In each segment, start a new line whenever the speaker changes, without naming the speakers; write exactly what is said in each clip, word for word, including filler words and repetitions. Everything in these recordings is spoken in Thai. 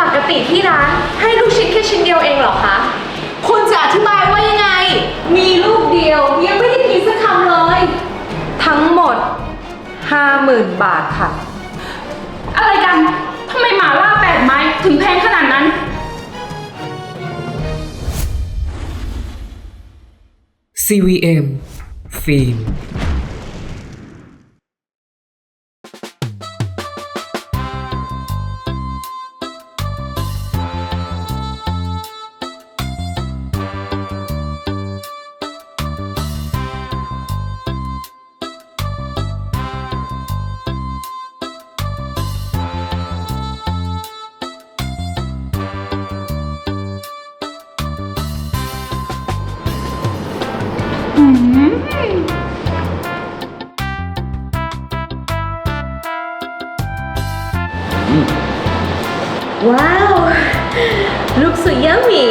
กติที่ร้านให้ลูกชิ้นแค่ชิ้นเดียวเองเหรอคะคุณจะอธิบายว่ายังไงมีลูกเดียวยังไม่ได้กินสักคำเลยทั้งหมดห้าหมื่นบาทค่ะ
อะไรกันทำไมหมาล่าแปดไม้ถึงแพงขนาดนั้น
ซี วี เอ็ม ฟิล์ม
ว้าวลูกสุดยัมมี่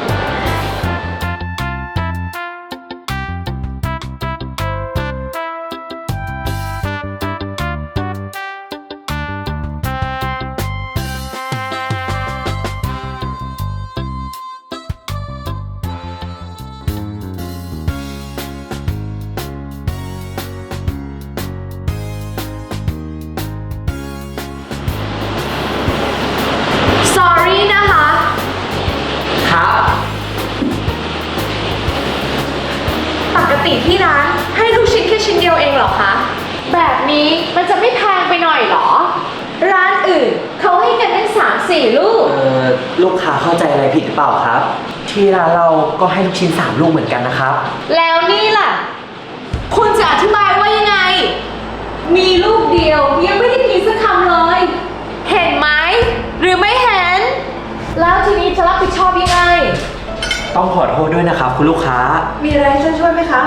ปกติที่ร้านให้ลูกชิ้นแค่ชิ้นเดียวเองเหรอคะแบบนี้มันจะไม่แพงไปหน่อยเหรอร้านอื่นเขาให้กันตั้งสามสี่ลูก
เอ่อลูกค้าเข้าใจอะไรผิดหรือเปล่าครับที่ร้านเราก็ให้ลูกชิ้นสามลูกเหมือนกันนะครับ
แล้วนี่ล่ะคุณจะอธิบายว่ายังไงมีลูกเดียวยังไม่ได้กินสักคำเลยเห็นไหมหรือไม่เห็นแล้วทีนี้จะรับผิดชอบยังไง
ต้องขอโทษด้วยนะครับคุณลูกค้า
มีอะไรช่วยช่วยไหมคะ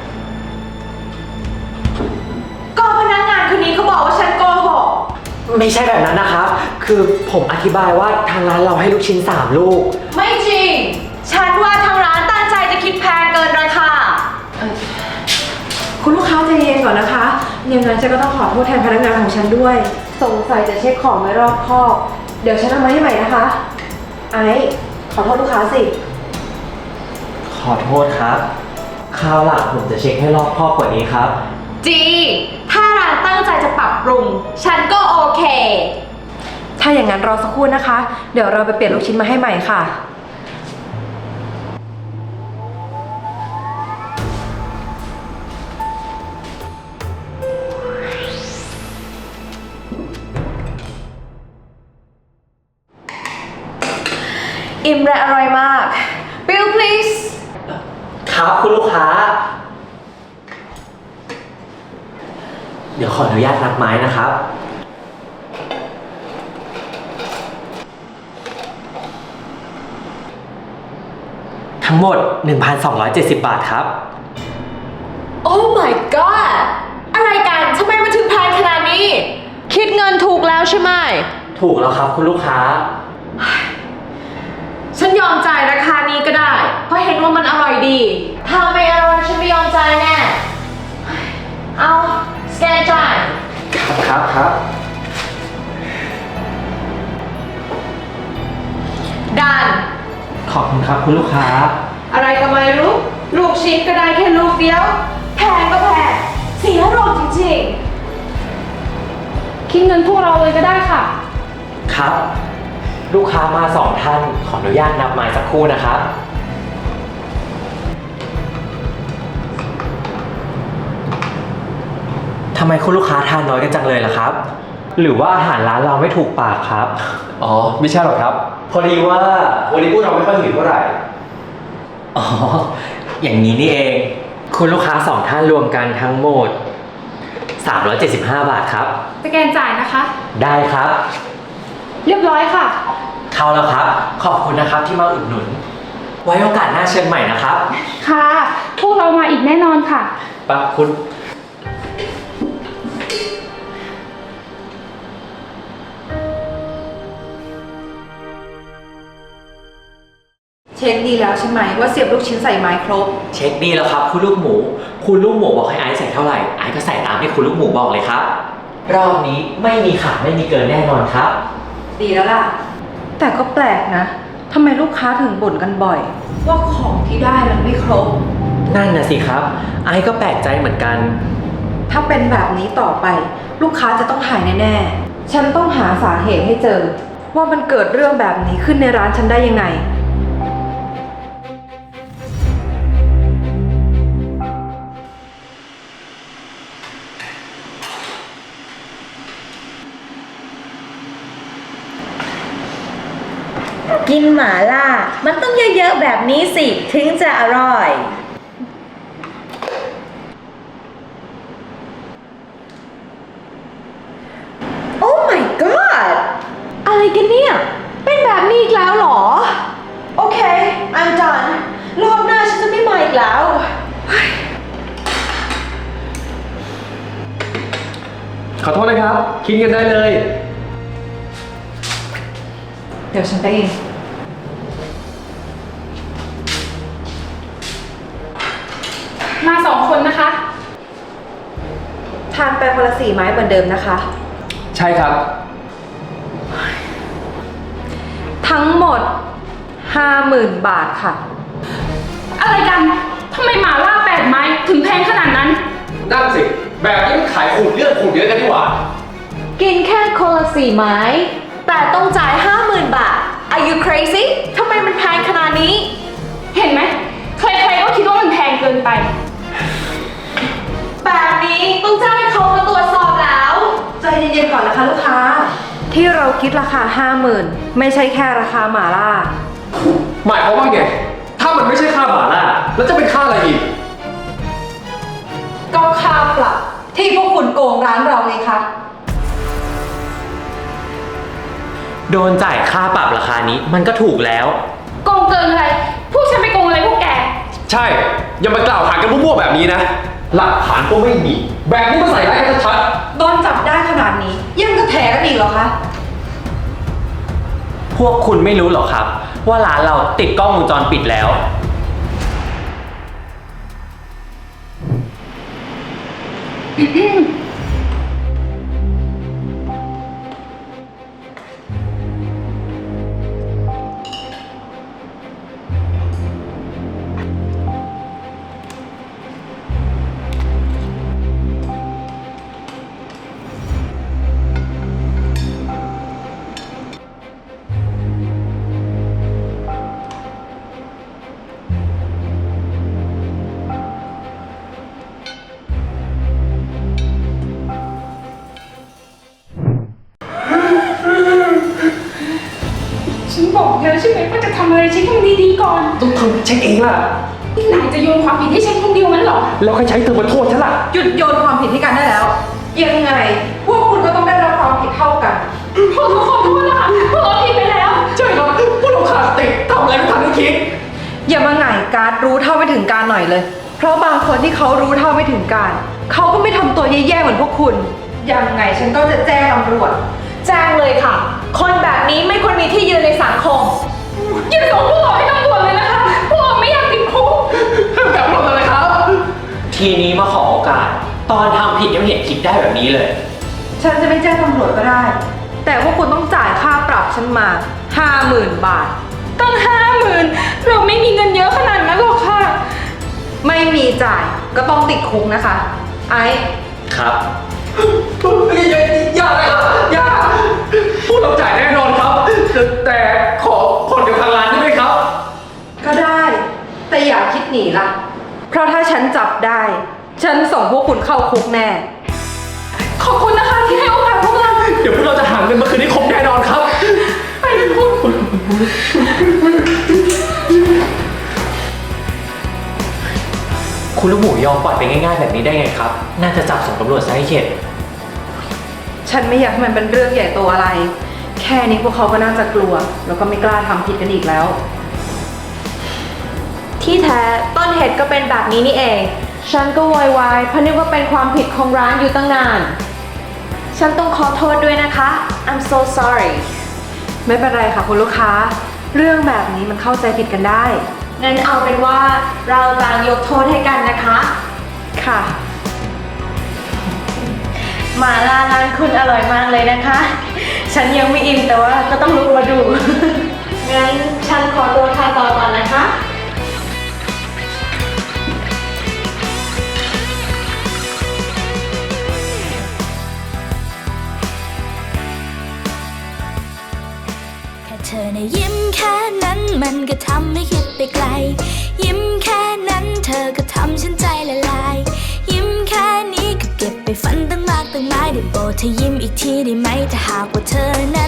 ก็พนักงานคนนี้เขาบอกว่าฉันโกหก
ไม่ใช่แบบนั้นนะครับคือผมอธิบายว่าทางร้านเราให้ลูกชิ้นสามลูก
ไม่จริงฉันว่าทางร้านตั้งใจจะคิดแพงเกินราคา
คุณลูกค้าใจเย็นก่อนนะคะยังไงฉันก็ต้องขอโทษแทนพนักงานของฉันด้วยสงสัยจะเช็คของไม่รอบคอบเดี๋ยวฉันเอามาให้ใหม่นะคะไอ้ขอโทษลูกค้าสิ
ขอโทษครับคราวหลังผมจะเช็คให้รอบคอบกว่านี้ครับ
จีถ้าร้านตั้งใจจะปรับปรุงฉันก็โอเค
ถ้าอย่างนั้นรอสักครู่นะคะเดี๋ยวเราไปเปลี่ยนลูกชิ้นมาให้ใหม่ค่ะ
อิ่มและอร่อยมาก Bill please
ครับคุณลูกค้าเดี๋ยวขออนุญาตนับไม้นะครับทั้งหมด หนึ่งพันสองร้อยเจ็ดสิบ บาทครับ
Oh my god อะไรกันทำไมมันถึงแพงขนาดนี้คิดเงินถูกแล้วใช่ไหม
ถูกแล้วครับคุณลูกค้า
ฉันยอมจ่ายราคานี้ก็ได้เพราะเห็นว่ามันอร่อยดีถ้าไม่อร่อยฉันไม่ยอมจ่ายแน่เอาสแกนจ่าย
ครับครับครับ
ดัน
ขอบคุณครับคุณลูกค้า
อะไรก็ไม่รู้ลูกชิ้นก็ได้แค่ลูกเดียวแพงก็แพงเสียอารมณ์จริง
ๆคิดเงินพวกเราเลยก็ได้ค่ะ
ครับลูกค้ามาสองท่านขออนุญาตนับไม้สักครู่นะครับทำไมคุณลูกค้าทานน้อยกันจังเลยล่ะครับหรือว่าอาหารร้านเราไม่ถูกปากครับ
อ๋อไม่ใช่หรอกครับพอดีว่าวันนี้พวกเราไม่ค่อยหิวเท่าไหร่
อ๋ออย่างนี้นี่เองคุณลูกค้าสองท่านรวมกันทั้งหมดสามร้อยเจ็ดสิบห้าบาทครับ
สแกนจ่ายนะคะ
ได้ครับ
เรียบร้อยค่ะ
เข้าแล้วครับขอบคุณนะครับที่มาอุดหนุนไว้โอกาสหน้าเชิญใหม่นะครับ
ค่ะพวกเรามาอีกแน่นอนค่ะ
ปั๊บคุณ
ช็คดีแล้วใช่ไหมว่าเสียบลูกชิ้นใส่ไม้ครบ
เช็คดีแล้วครับคุณลูกหมูคุณลูกหมูบอกให้ไอซ์ใส่เท่าไหร่ไอซ์ก็ใส่ตามที่คุณลูกหมูบอกเลยครับรอบนี้ไม่มีขาดไม่มีเกินแน่นอนครับ
ดีแล้วล่ะแต่ก็แปลกนะทำไมลูกค้าถึงบ่นกันบ่อย ว่าของที่ได้มันไม่ครบ
นั่นน่ะสิครับ ไอซ์ก็แปลกใจเหมือนกัน
ถ้าเป็นแบบนี้ต่อไป ลูกค้าจะต้องหายแน่ๆ ฉันต้องหาสาเหตุให้เจอ ว่ามันเกิดเรื่องแบบนี้ขึ้นในร้านฉันได้ยังไง
กินหมาล่า มันต้องเยอะๆแบบนี้สิ ถึงจะอร่อย โอ้ my god อะไรกันเนี่ย เป็นแบบนี้อีกแล้วเหรอ โอเค I'm done รอบหน้าฉันจะไม่มาอีกแล้ว
ขอโทษนะครับ คิดกันได้เลย
เดี๋ยวฉันไปเอง
มาสองคนนะคะ
ทานไปคนละสี่ไม้เหมือนเดิมนะคะ
ใช่ครับ
ทั้งหมด ห้าหมื่น บาทค่ะ
อะไรกันทำไมหมาล่าแปดไม้ถึงแพงขนาดนั้น
นั่นสิ แบบนี้มันขายขูดเลือดขูดเยอะกันดีกว่า
กินแค่คนละสี่ไม้ แต่ต้องจ่ายห้าหมื่นบาท Are you crazy ทำไมมันแพงขนาดนี้
เห็นไหมใครๆก็คิดว่ามันแพงเกินไป
แบบนี้ต้องจ้างให้เขามาตรวจสอบแล้ว
ใจเย็นๆก่อนนะคะลูกค้า ที่เราคิดราคา ห้าหมื่น ไม่ใช่แค่ราคาหมาล่า
หมายความว่าไง ถ้ามันไม่ใช่ค่าหมาล่า แล้วจะเป็นค่าอะไรอีก
ก็ค่าปรับที่พวกคุณโกงร้านเราไงคะ
โดนจ่ายค่าปรับราคานี้มันก็ถูกแล้ว
โกงเกินอะไร พวกฉันไปโกงอะไรพวกแก
ใช่ อย่ามากล่าวหากันมั่วๆแบบนี้นะ หลักฐานก็ไม่มี แบบนี้มาใส่ร้ายกันชัด
โดนจับได้ขนาดนี้ ยังจะแถกันอีกเหรอคะ
พวกคุณไม่รู้หรอครับ ว่าร้านเราติดกล้องวงจรปิดแล้ว
ฉันบอกแล้วใช่ไหมว่าจะทำอะไรเช็คให้มันดีๆก่อน
ๆต้องทำเช็คเองล่ะ
นายจะโยนความผิดให้ฉันคนเดียวงั้นเหรอ
แล้วใครใช้เธอมาโทษฉันล่ะ
หยุดโยนความผิดให้กันได้แล้ว ยังไง พวกคุณก็ต้องได้รับความผิดเท่ากัน
ขอโทษขอโทษนะคะพวกเราผิดไปแล้ว
ใช่ครับพวกเราขาดสติทำอะไรไม่ทันได้คิด
อย่ามาหง่ายการดรู้เท่าไม่ถึงการหน่อยเลย เพราะบางคนที่เขารู้เท่าไม่ถึงการ เขาก็ไม่ทำตัวแย่ๆเหมือนพวกคุณ ยังไงฉันก็จะแจ้งตำรวจ
แจ้งเลยค่ะ คนแบบนี้ไม่ควรมีที่ยืนในสังคม
อย่าส่งพวกเราให้ตำรวจเลยนะคะ พวกเราไม่อยากติดคุก
แบบเราเลยครับ
ทีนี้มาขอโอกาส ตอนทำผิดยังไม่เห็นคิดได้แบบนี้เลย
ฉันจะไม่แจ้งตำรวจก็ได้ แต่พวกคุณต้องจ่ายค่าปรับฉันมาห้าหมื่นบาท
ตั้งห้าหมื่นเราไม่มีเงินเยอะขนาดนั้นหรอกค่ะ
ไม่มีจ่ายก็ต้องติดคุกนะคะ ไอ้
ครับ
อย่าอย่าเลยครับอย่าพวกเราจ่ายแน่นอนครับ แต่ขอผ่อนเดี๋ยวทางร้านได้ไหมครับ
ก็ได้ แต่อย่าคิดหนีล่ะ เพราะถ้าฉันจับได้ ฉันส่งพวกคุณเข้าคุกแน่
ขอบคุณนะคะที่ให้โอกาสพวกเรา
เดี๋ยวพวกเราจะหาเงินมาคืนให้ครบแน่นอนครับ
ไปกันคุณ
คุณลูกหมูยอมปล่อยไปง่ายๆแบบนี้ได้ไงครับ น่าจะจับส่งตำรวจซะให้เข็ด
ฉันไม่อยากให้มันเป็นเรื่องใหญ่โตอะไร แค่นี้พวกเขาก็น่าจะกลัว แล้วก็ไม่กล้าทำผิดกันอีกแล้ว
ที่แท้ต้นเหตุก็เป็นแบบนี้นี่เอง ฉันก็โวยวายเพราะนึกว่าเป็นความผิดของร้านอยู่ตั้งนาน ฉันต้องขอโทษด้วยนะคะ I'm so sorry
ไม่เป็นไรค่ะคุณลูกค้า เรื่องแบบนี้มันเข้าใจผิดกันได้
งั้นเอาเป็นว่าเราต่างยกโทษให้กันนะคะ
ค่ะ
หมาล่าร้านคุณอร่อยมากเลยนะคะ ฉ
ฉันยังไม่อิ่มแต่ว่าก็ต้องลุกมาดู งั้นฉันขอตัวทานต่อก่อนนะคะ
แค่เธอในะยิ้มแค่นั้นมันก็ทำให้คิดไปไกล ยิ้มแค่นั้นเธอก็ทำฉันใจละลาย ยิ้มแค่นี้ก็เก็บไปฝันตั้งมากตั้งหลายได้โปรดเธอยิ้มอีกทีได้ไหมถ้าหากว่าเธอนั้น